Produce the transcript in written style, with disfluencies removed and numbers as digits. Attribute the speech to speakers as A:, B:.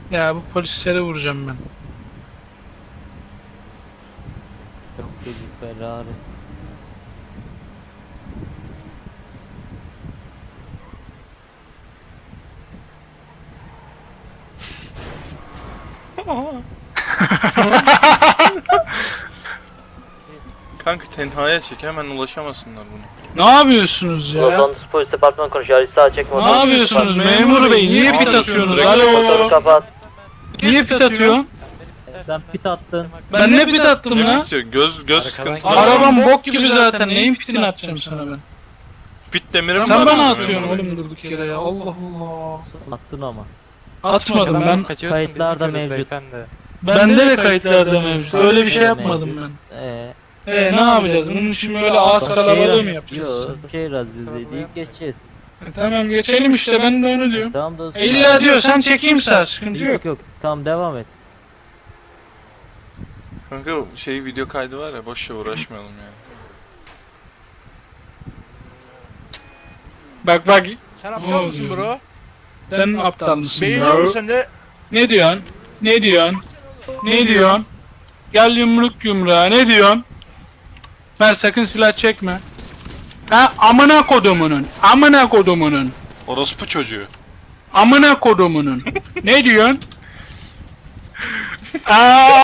A: Ya bu polislere vuracağım ben.
B: Çok gecik Ferrari.
C: Kanka tenhaya çek, hemen ulaşamasınlar buna.
A: Ne yapıyorsunuz ya?
B: Los Angeles Polis Departmanı konuşuyor. Ali sağa çek motoru.
A: Ne yapıyorsunuz memur bey? Niye pit atıyorsunuz?
B: Motoru
A: Alo.
B: kapat.
A: Niye pit atıyorsun?
B: Sen pit attın.
A: Ben ne pit attım
C: Ne
A: lan?
C: bitiyor? Göz sıkıntı.
A: Arabam bok gibi zaten. Neyin pitini atacağım sana ben?
C: Pit demirim
A: Sen
C: var
A: bana
C: mı
A: atıyorsun
C: memur bey?
A: oğlum durduk yere ya. Allah Allah.
B: Attın ama.
A: Atmadım ben.
B: Kayıtlarda mevcut.
A: Bende de kayıtlarda mevcut. Öyle bir şey yapmadım ben. Ne yapacağız? Bunun için böyle ağız kalabalığı mı yapacağız?
B: Yok, şehir azizliği deyip geçeceğiz.
A: Tamam geçelim işte, ben de onu diyorum.
B: Tamam dostum.
A: İlla diyor sen çekeyim sağ, sıkıntı yok.
B: Yok yok. Tamam devam et.
C: Kanka video kaydı var ya, boşça uğraşmayalım yani.
A: Bak bak.
D: Sen aptal mısın bro?
A: Sen aptal mısın
D: Beğeniyor
A: bro?
D: musun sen de?
A: Ne diyorsun? Ne diyorsun? Ne diyorsun? Gel yumruk yumruğa, ne diyorsun? Ben sakın silah çekme. Ha amına kodumunun. Amına kodumunun.
C: Orospu çocuğu.
A: Amına kodumunun. Ne diyorsun? Aa!